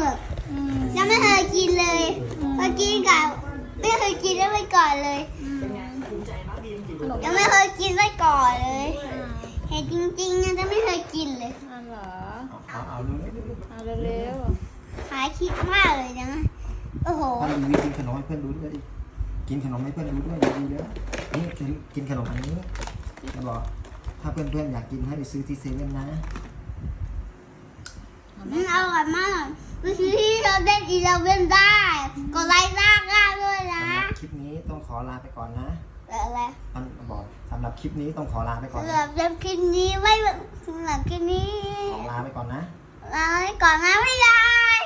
ยังไม่เคยกินเลยเมื่อกี้กับไม่เคยกินได้ไปก่อนเลยยังไม่เคยกินไว้ก่อนเลยเห็นจริงๆนะจะไม่เคยกินเลยอ้าวเหรอเอาเอาเร็วหายคิดมากเลยนะโอ้โหถ้ามีวิธีกินขนมให้เพื่อนดูด้วยดิกินขนมให้เพื่อนดูด้วยดีเลยนี่กินขนมอันนี้จะบอกถ้าเพื่อนๆอยากกินให้ไปซื้อที่เซเว่นนะมันอร่อยมากไปซื้อที่เราเล่นอีเลเว่นได้กดไลค์หน้าง่ายด้วยนะสำหรับคลิปนี้ต้องขอลาไปก่อนนะอะไรมันบอกสำหรับคลิปนี้ต้องขอลาไปก่อนสำหรับคลิปนี้ไม่สำหรับคลิปนี้ขอลาไปก่อนนะลาไปก่อนนะบ๊ายบาย